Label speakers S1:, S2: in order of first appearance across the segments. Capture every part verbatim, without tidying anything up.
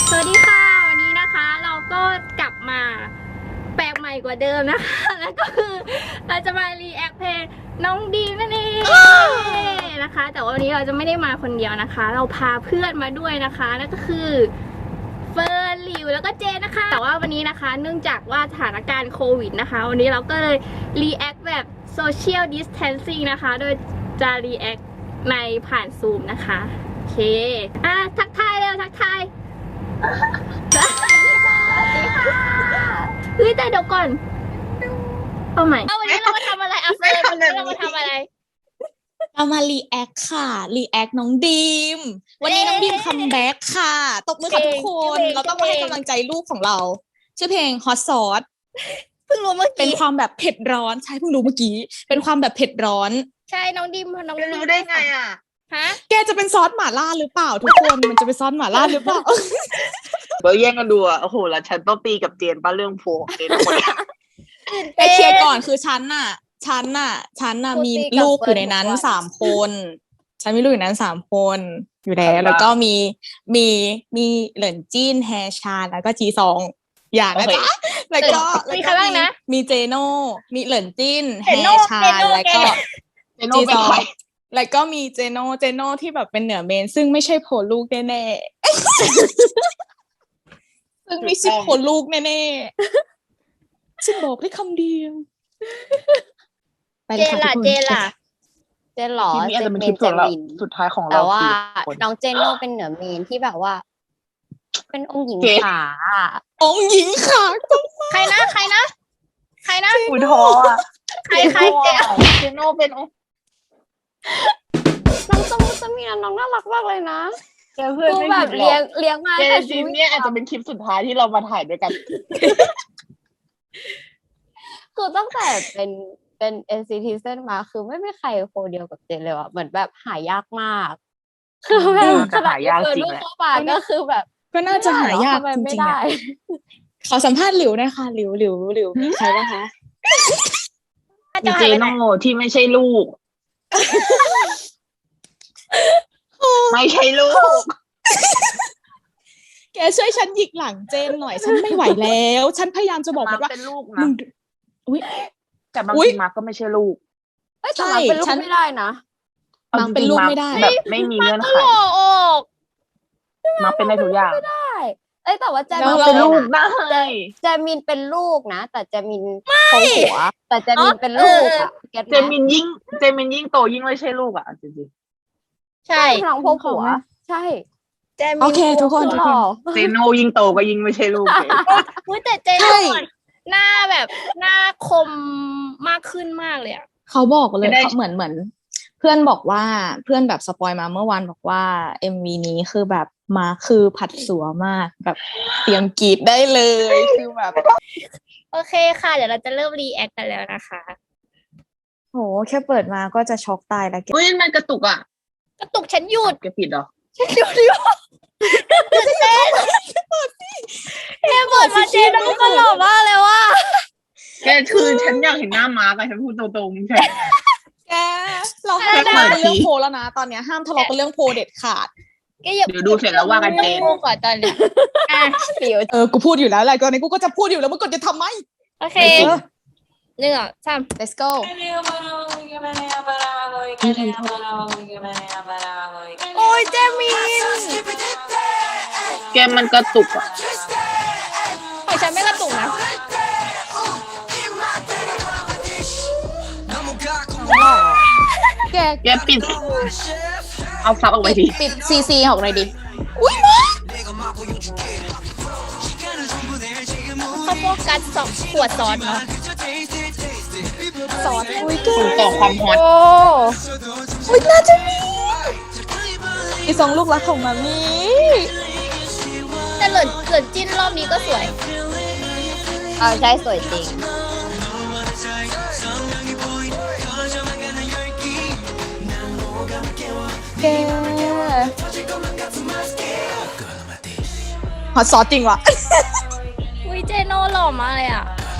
S1: สวัสดีค่ะวันนี้นะคะเราก็กลับมาแปลกใหม่กว่าเดิมนะคะแล้วก็คือเราจะมารีแอคเพลงน้องดีมนั่นเองนะคะแต่วันนี้เราจะไม่ได้มาคนเดียวนะคะเราพาเพื่อนมาด้วยนะคะนั่นก็คือเฟิร์นหลิวแล้วก็เจนนะคะแต่ว่าวันนี้นะคะเนื่องจากว่าสถานการณ์โควิดนะคะวันนี้เราก็เลยรีแอคแบบโซเชียลดิสแทนซิ่งนะคะโดยจะรีแอคในผ่านซูมนะคะโอเคอ่ะทักทายเร็วทักทายสวัสดีค่ะเฮ้ยแต่เดี๋ยวก่อนเอาใหม่เอาวันนี้เรามาทำอะไรอ่ะเฟิร์นวันนี้เรามาทำอะไร
S2: เรามารีแอคค่ะรีแอคน้องดีมวันนี้น้องดีมคัมแบ็กค่ะตบมือค่ะทุกคนเราต้องมาให้กำลังใจลูกของเราชื่อเพลง Hot Sauce
S1: เพิ่งรู้เมื่อกี้
S2: เป็นความแบบเผ็ดร้อนใช่เพิ่งรู้เมื่อกี้เป็นความแบบเผ็ดร้อน
S1: ใช่น้องดิมน้องดิม
S3: รู้ได้ไงอ่ะ
S1: ฮะ
S2: แกจะเป็นซอสหม่าล่าหรือเปล่าทุกคนมันจะเป็นซอสหม่าล่าหรือเปล่า
S3: เบอร์แย่งกันดูอ่ะโอ้โหแล้วฉันต้องตีกับเจนป้าเรื่องโพเจนหมด
S2: ไปเคลียร์ก่อนคือฉันน่ะฉันน่ะฉันน่ะมีลูกอยู่ในนั้นสามคนฉันมีลูกอยู่นั้นสามคนอยู่แล้วแล้วก็มีมีมีเหลินจิ้นแฮชาแล้วก็จีซองอย่างนะจ๊ะแล้วก็
S1: มีใครบ้างนะ
S2: มีเจโน่มีเหลินจิ้นแฮชาแล้วก็
S3: จีซอง
S2: แล้วก็มีเจโน่เจโน่ที่แบบเป็นเหนือเมนซึ่งไม่ใช่โผล่ลูกแน่ๆซึ่งไม่ใช่โผล่ลูกแน่ๆฉันบอกได้คำเดียว
S1: เจนล่ะเจนล่ะ
S4: เจนหรอ
S3: เจนเป็นเจมินสุดท้ายของเรา
S4: แต่ว่าน้องเจนโน่เป็นเหนือเมนที่แบบว่าเป็นองค์หญิงขา
S2: องค์หญิงขา
S1: ใครนะใครนะใครนะ
S3: อุ้ยท้ออ่ะ
S1: ใครใครเจ
S3: เจโน่เป็นองค์
S4: น้องสมุทรสมีน้องน่ารักมากเลยนะ
S3: เพื่อนไม่
S4: แบบเลี้ยงเลี้ยงมา
S3: แต่จริงเนี่ยอาจจะเป็นคลิปสุดท้ายที่เรามาถ่ายด้วยกัน
S4: คือตั้งแต่เป็นเป็น เอ็น ซี ที เส้นมาคือไม่มีใครโคเดียวกับเจนเลยว่ะเหมือนแบบหายากมากคือแบบ
S3: ขนาดยากจริงแหละ
S4: ก็คือแบบ
S2: ก็น่าจะหายากจริงๆขอสัมภาษณ์หลิวหน่อยค่ะหลิวหลิวหลิวมีใครบ้างคะ
S3: มีเจโน่ที่ไม่ใช่ลูกไม่ใช่ลูก
S2: แกช่วยฉันหยิกหลังเจนหน่อยฉันไม่ไหวแล้วฉันพยายามจะบอกมันว่า
S3: เป็นลูกนะ
S2: อุ้ย
S3: แต่บางทีมาก็ไม่ใช่ลูก
S4: ใช่เป็นลูกไม่ได้นะ
S2: บางเป็นลูกไม่ได้
S3: แบบไม่มีเงื่อนไขมาเป็นได้ทุกอย่าง
S4: ไม่ได้เอ้ยแต่ว่าแจมิน
S3: เป็นลูกได้
S4: แจมินเป็นลูกนะแต่แจมินโตหัวแต่แจมินเป็นลูกอะ
S3: เจมินยิ่งเจมินยิ่งโตยิ่งไม่ใช่ลูกอ่ะจริง
S4: ๆใช่พลังพ่อผัวใช่
S1: แจมิน
S2: โอเคทุกคนทุกคน
S3: เจโน่ยิ่งโตก็ยิ่งไม่ใช่ลูก
S1: เลยแต่เจโน่หน้าแบบหน้าคมมากขึ้นมากเลยอ่ะ
S2: เขาบอกเลยเขาเหมือนเหมือนเพื่อนบอกว่าเพื่อนแบบสปอยมาเมื่อวานบอกว่า เอ็ม วี นี้คือแบบมาคือผัดสัวมากแบบเตรียมกรีดได้เลยคือแบบ
S1: โอเคค่ะเดี๋ยวเราจะเริ่มรีแอคกันแล้วนะคะ
S2: โหแค่เปิดมาก็จะช็อกตายแล้วแก
S3: อุ้ยมันกระตุกอ่ะ
S1: กระตุกฉันหยุด
S3: แกปิดเหรอ
S1: ฉันหยุดอยู่เจนแค่เปิดมาเจนน้องก็หล่อมากเลยว่ะ
S3: แกคือฉันอยากเห็นหน้าม้ากันฉันพูดตรงๆใช่
S2: แกเราห้ามทะเลาะกันเรื่องโพแล้วนะตอนเนี้ยห้ามทะเลาะกันเรื่องโพเด็ดขาด
S1: แกอย่า
S3: เดี๋ยวดูเสร็จแล้วว่ากันเจน
S1: ก่อนตอนเนี้ย
S2: เออกูพูดอยู่แล้วอะไรตอนนี้กูก็จะพูดอยู่แล้วมึงกดจะทำไหม
S1: โอเคหนึ่งสาม
S2: let's go
S1: โอ้ยเจมิน
S3: แกมันกระตุกอ่ะ
S1: ของฉันไม่กระตุกนะ
S2: แก
S3: แกปิดเอาซับออกไปดิ
S2: ปิดซีซีออกเลยดิ
S1: อุ้ยมาเขาโฟกัสสองขวดซอสเนาะซอสอุ้ย
S3: ส่งต่อความฮอต
S2: อุ้ยน่าจะมีอีสองลูกรักของมามี
S1: แต่เหลินเหลินจิ้นรอบนี้ก็สวย
S4: เออใช่สวยจริง
S2: แกฮอตซอสจริงว่ะ
S1: อุ้ยเจโน่หล่อมากเลยอ่ะ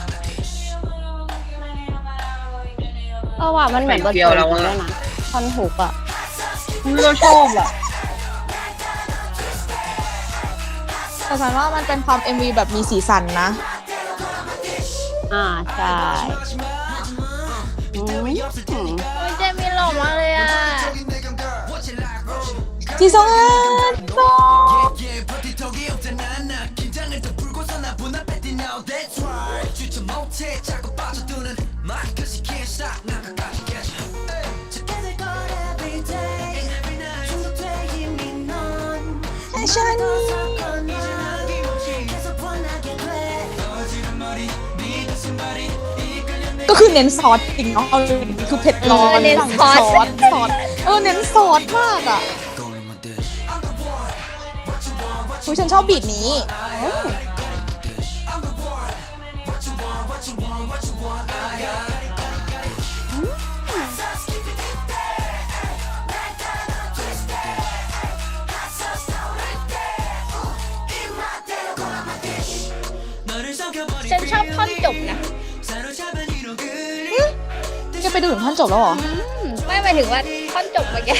S4: เออว่ะมันเหมือนบทเพลงแล้วนะท่อนฮุกอ่ะ
S3: เราชอบอ่ะ
S2: แต่ฉันว่ามันเป็นความ เอ็ม วี แบบมีสีสันนะ
S4: อ่าใช่อืม
S1: โอ้ยเจมินหล่อมากเลยอ่ะ
S2: จีซองอันโซ ฉันก็คือเน้นซอสจริงเนาะเอาเลยคือเผ็ดร้อน
S1: เออเน้นซอส
S2: ซอสซอสเออเน้นซอสมากอ่ะอุ๊ยฉันชอบบีทนี้
S1: ฉันชอบท่อนจบนะ
S2: จะไปดูถึงท่อนจบแล้วเหรอ
S1: ไม่หมายถึงว่าท่อนจบเมื่อกี้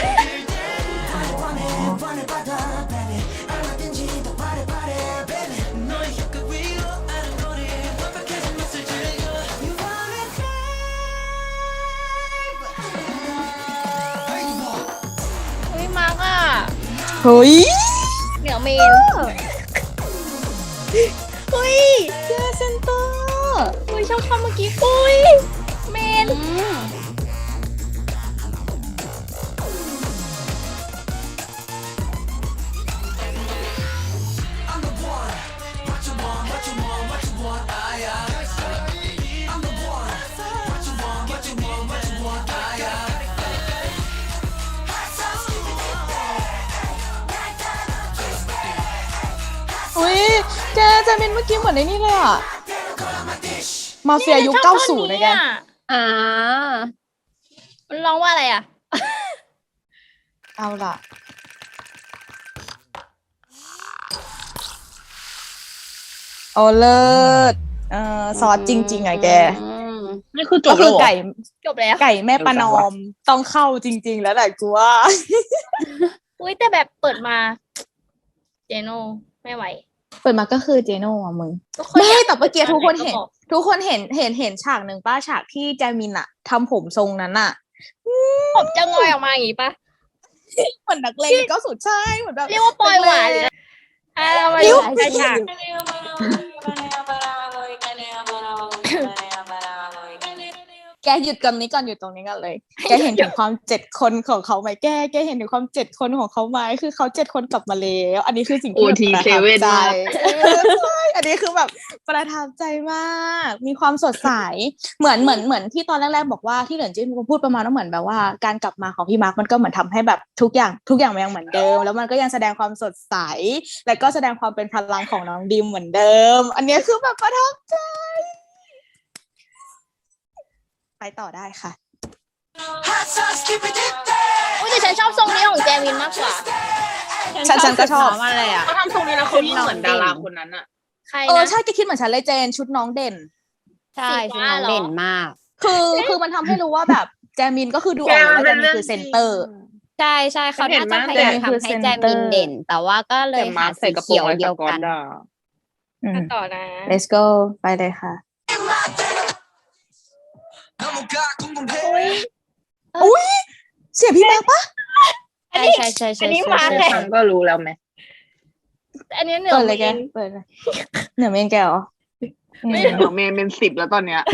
S1: เฮ้ยมาร์กอ่ะ
S2: เฮ้ย
S1: เหนือเมน เฮ้ย
S2: เจอเซนเตอร์
S1: เฮ้ยชอบท่อนเมื่อกี้อุ้ยเมน
S2: อุ้ยแกแจมินเมื่อกี้เหมือนในนี่เลยอ่ะ มาเฟียยุคเก้าสิบเลยแก
S4: อ่า
S1: มันร้องว่าอะไรอ่ะ
S2: เอาล่ะ โอเลิศเอ่อซอสจริง ๆอ่ะแก
S3: นี่คือจ
S2: ก็
S3: บ
S2: คื
S3: แล้ว
S2: อ
S3: เหรอ
S2: ไก่
S1: จบแล้ว
S2: ไก่แม่ประนอมต้องเข้าจริง ๆ แล้วแหละกูว่า
S1: อุ้ยแต่แบบเปิดมา เจโน่ไม่ไหว
S2: เปิดมาก็คือเจโน่อะมึง
S1: ทุกคน
S2: ไม่
S1: อยาก
S2: แต่เมื่อกี้ทุกคนเห็น
S1: ก็บอก
S2: ทุกคนเห็นเห็นเห็นฉากหนึ่งป้าฉากที่แจมินอะทำผมทรงนั้นอะ
S1: ผมจะงอยออกมาอย่างงี้ปะ
S2: เหมือนนักเลงก็สุดใช่เหมือนแบบ
S1: เรียกว่าปล่อยหวานเลยนะอ่ามา
S2: นิ้
S1: ดู
S2: ว
S1: ไอ้ฉาก
S2: แกหยุดกันนี้ก่อนหยุดตรงนี้กันเลย แกเห็นถึงความเจ็ดคนของเขาไหมแกแกเห็นถึงความเจ็ดคนของเขาไหมคือเขาเจ็ดคนกลับมาแล้วอันนี้คือสิ่งที่แบบ
S3: โอ ที
S2: ประ
S3: เซ
S2: ทับ
S3: เว่น
S2: ใจ
S3: มาก
S2: เออใช่อันนี้คือแบบประทับใจมาก มีความสดใสเหมือนเหมือนเหมือนที่ตอนแรกๆบอกว่าที่เหลินจิ้นพูดประมาณว่าเหมือนแบบว่าการกลับมาของพี่มาร์คมันก็เหมือนทำให้แบบทุกอย่างทุกอย่างมันยังเหมือนเดิม แล้วมันก็ยังแสดงความสดใสและก็แสดงความเป็นพลังของน้องดิมเหมือนเดิม อันนี้คือแบบประทับใจ ไปต่อได้ค่ะ
S1: อุ้ยแต่ฉันชอบทรงนี้ของแจมินมากกว่า
S2: ฉันฉันก็ชอบ
S4: น้ำอะไรอ่ะ
S3: เขาทำทรงนี้แล้วเขายิ่งเหมือนดาราคนนั้นอะ
S1: ใคร
S2: เออ
S1: นะ
S2: ใช่แกคิดเหมือนฉันเลยเจนชุดน้องเด่น
S4: ใช่
S1: สี
S4: ชุด
S1: ฟ้า
S4: น้อง
S1: เหรอ
S4: เด่นมาก
S2: คือคือมันทำให้รู้ว่าแบบแจมินก็คือดูออกเลยว่าแจมินคือเซนเตอร์
S4: ใช่ใช่เขา
S3: เห็น
S4: น่าจะ
S3: มาก
S4: พยายาม
S2: แต่คือ
S4: ทำให้
S2: เซ็น
S4: แจ
S2: เตอ
S4: มิ
S2: ร์
S4: นเด่น แต่ว่าก็เล
S3: แต่
S4: ย
S3: มา
S4: หา
S3: ใส่
S4: สี
S3: กระโปร
S4: เขี
S3: ง
S4: ยว
S3: ลาย
S4: เดี
S3: ส
S4: ยว
S3: กอ
S4: กั
S3: ต
S4: น
S3: ด่า
S2: อืม
S1: ต่อนะ
S2: let's go ไปเลยค่ะ อุ้ยเสียพี่มาร์คปะ
S4: ใช่ใช่ใช่ใช่
S1: อันนี้
S4: ใช่
S1: มา
S4: ใช่
S1: แค่
S3: ฉันก็รู้แล้วไหม
S1: อันนี้เหนือ
S2: เปิดเลย
S1: เม
S2: แก
S1: น
S2: เปิดเลยเหนือเมนแกเหรอ
S1: ไม่
S2: อืม
S3: เดี๋ยวเมนเป็นสิบแล้วตอนเนี้ย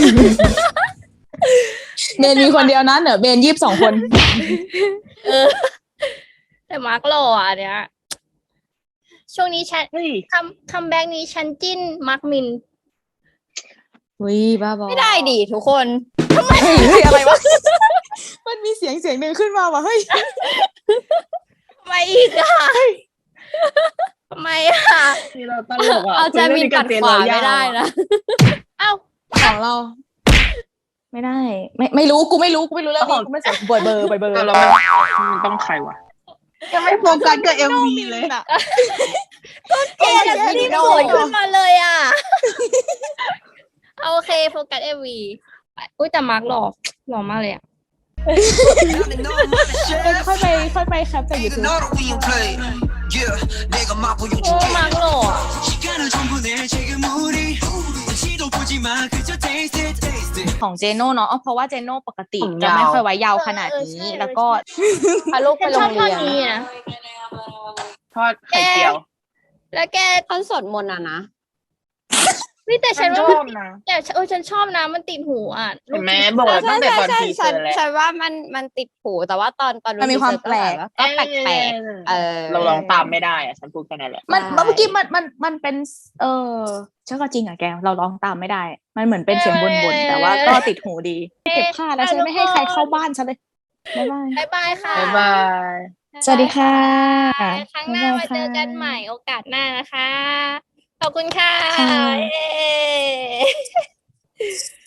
S2: เมนมีคนเดียวนะเหนือเมนยี่สิบสองคน
S1: เออ แต่มาร์กหล่ออ่ะเนี่ยช่วงนี้ฉัน
S3: เฮ้ย
S1: คัมคัมแบ็กนี้ฉันจิ้นมาร์กมิน
S2: อุ้ยบ้าบอ
S4: ไม่ได้ดิทุกคน
S2: เฮ้ยเฮ้ยอะไรวะ มันมีเสียงเสียงหนึ่งขึ้นมาว่ะเฮ้ย
S1: ทำไมอีกอ่ะทำไมอ่ะ
S3: นี่เราตลกอ่ะ
S4: เอาแจมินปัดขวาไม่ได้นะ
S1: เอ้า
S2: ของเรา ไม่ได้ ไม่ไม่รู้กูไม่รู้กูไม่รู้เรื่องนี้กูไม่สนบอยเบอร์บอยเบอร์
S3: เออแล้วมันมันต้องใครวะยังไม่โฟกัสกับเอ็มวีเลย
S2: อะ
S1: เจนรีบสวยขึ้นมาเลยอ่ะ เอาโอเคโฟกัสเอวีอุ้ยแต่มาร์กหล่อหล่อมากเลยอ่ะ
S2: ค่อยไปค่อยไปแคปจากยูทูบ
S1: โอ้มาร์กหล่อ
S2: ของเจโน่เนาะเพราะว่าเจโน่ปกติ
S3: ผม
S2: จะ
S3: ยาว
S2: ไม่ค่อยไว้ยาวขนาด
S1: เออ
S2: นี้
S1: ใช่
S2: แล้วก็
S4: พาลูก
S1: ฉั
S4: ไป
S1: น
S4: โร
S1: ชอบ
S4: ง
S1: ท่อ
S4: เรี
S1: น
S4: ยน
S1: นี้นะ
S3: ทอดไข่เจียว
S1: แล้วแก
S4: ท่อนสวดมนต์อะนะ
S1: นี่แต่ฉั
S3: ฉั
S1: น
S3: น
S1: ว่า
S3: ช
S1: มัน
S3: อบ
S1: ติด
S3: นะ
S1: แต่เออฉันชอบนะมันติดหูอ่ะ
S3: เห็นไหม
S1: ลู
S3: บอกแล้ว
S4: ใช่
S3: ตั้งแต่ตอน
S4: ใช่
S3: ทีเซ
S4: ฉั
S3: อน ร์แล้ว
S4: ฉันว่ามันมันติดหูแต่ว่าตอนตอน
S2: มันมีความ
S4: ทีเซอร์
S2: แปลก
S4: ก็แบบก็แปลกๆเออ
S3: เราลองตามไม่ได้อะฉันพูดแค่นั้นแหละ
S2: มัน
S4: ใช่
S2: เมื่อกี้มันมันมันเป็น เออเชื่อก็จริงอะแกเราร้องตามไม่ได้ มันเหมือนเป็นเสียงบ่นๆแต่ว่าก็ติดหูดีเก็บผ้าแล้วฉันไม่ให้ใครเข้าบ้านฉันเลยบ๊ายบาย
S1: บ๊ายบายค่ะ
S3: บ๊ายบาย
S2: สวัสดีค่ะ
S1: ครั้งหน้ามาเจอกันใหม่โอกาสหน้านะคะ ขอบคุณค่ะ
S2: ค่ะ
S1: เย้